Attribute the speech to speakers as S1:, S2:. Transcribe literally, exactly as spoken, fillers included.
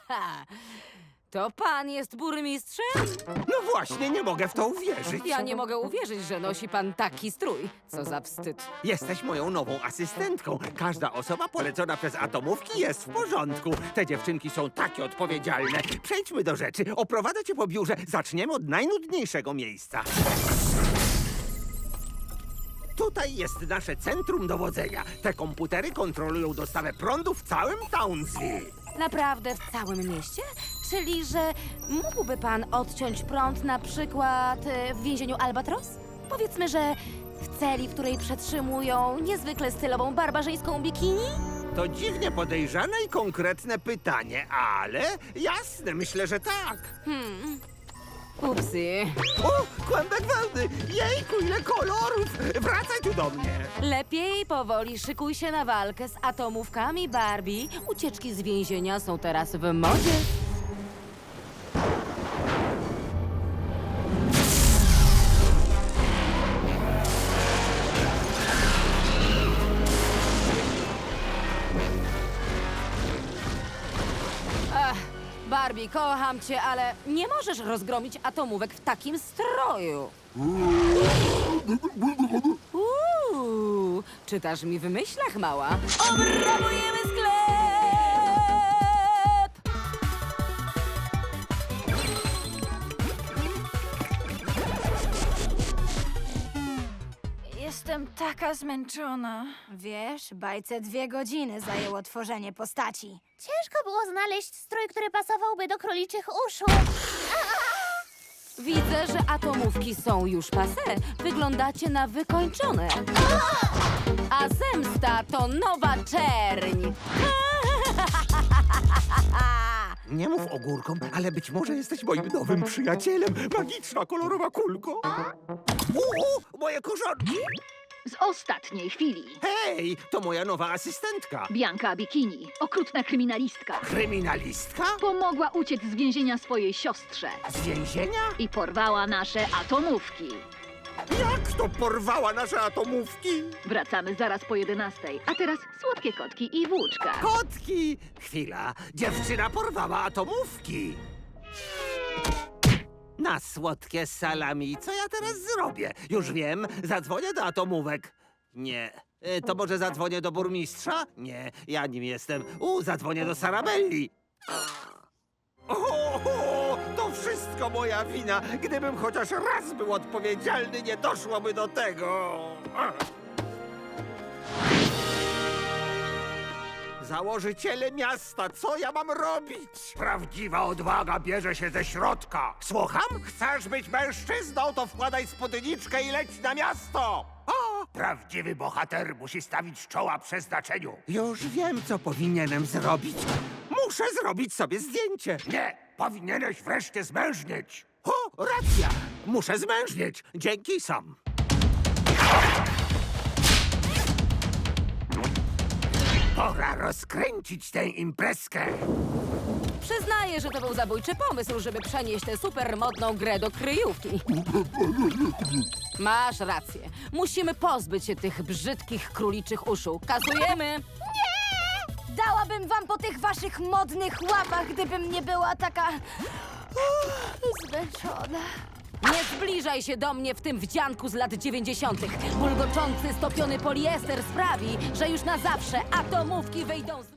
S1: To pan jest burmistrzem?
S2: No właśnie, nie mogę w to uwierzyć.
S1: Ja nie mogę uwierzyć, że nosi pan taki strój. Co za wstyd.
S2: Jesteś moją nową asystentką. Każda osoba polecona przez atomówki jest w porządku. Te dziewczynki są takie odpowiedzialne. Przejdźmy do rzeczy. Oprowadzę cię po biurze. Zaczniemy od najnudniejszego miejsca. Tutaj jest nasze centrum dowodzenia. Te komputery kontrolują dostawę prądu w całym Townsville.
S1: Naprawdę w całym mieście? Czyli, że mógłby pan odciąć prąd na przykład e, w więzieniu Albatros? Powiedzmy, że w celi, w której przetrzymują niezwykle stylową barbarzyńską bikini?
S2: To dziwnie podejrzane i konkretne pytanie, ale jasne, myślę, że tak.
S1: Upsy.
S2: O, kłębek wełny! Jejku, ile kolorów! Wracaj tu do mnie!
S1: Lepiej powoli szykuj się na walkę z atomówkami Barbie. Ucieczki z więzienia są teraz w modzie. Ach, Barbie, kocham cię, ale nie możesz rozgromić atomówek w takim stroju. Uuu, czytasz mi w myślach, mała? Obrabujemy sklep!
S3: Jestem taka zmęczona.
S4: Wiesz, bajce dwie godziny zajęło tworzenie postaci.
S5: Ciężko było znaleźć strój, który pasowałby do króliczych uszu.
S1: Widzę, że atomówki są już passé. Wyglądacie na wykończone. A zemsta to nowa czerń.
S2: Nie mów ogórkom, ale być może jesteś moim nowym przyjacielem. Magiczna, kolorowa kulko. Uuu, moje korzonki!
S6: Z ostatniej chwili.
S2: Hej, to moja nowa asystentka.
S6: Bianka Bikini, okrutna kryminalistka,
S2: Kryminalistka?
S6: pomogła uciec z więzienia swojej siostrze
S2: Z więzienia?
S6: i porwała nasze atomówki.
S2: Jak to porwała nasze atomówki?
S6: Wracamy zaraz po jedenastej, a teraz słodkie kotki i włóczka.
S2: Kotki! Chwila, dziewczyna porwała atomówki. Na słodkie salami, co ja teraz zrobię? Już wiem, zadzwonię do atomówek. Nie. E, To może zadzwonię do burmistrza? Nie, ja nim jestem. U, zadzwonię do Sarabelli. O, to wszystko moja wina. Gdybym chociaż raz był odpowiedzialny, nie doszłoby do tego. Założyciele miasta, co ja mam robić? Prawdziwa odwaga bierze się ze środka. Słucham? Chcesz być mężczyzną, to wkładaj spódniczkę i leć na miasto. O! Prawdziwy bohater musi stawić czoła przeznaczeniu. Już wiem, co powinienem zrobić. Muszę zrobić sobie zdjęcie. Nie, powinieneś wreszcie zmężnieć. O, racja. Muszę zmężnieć. Dzięki sam. Pora rozkręcić tę imprezkę.
S1: Przyznaję, że to był zabójczy pomysł, żeby przenieść tę supermodną grę do kryjówki. Masz rację. Musimy pozbyć się tych brzydkich króliczych uszu. Kasujemy!
S4: Dałabym wam po tych waszych modnych łapach, gdybym nie była taka zmęczona.
S1: Nie zbliżaj się do mnie w tym wdzianku z lat dziewięćdziesiątych. Bulgoczący, stopiony poliester sprawi, że już na zawsze atomówki wyjdą z...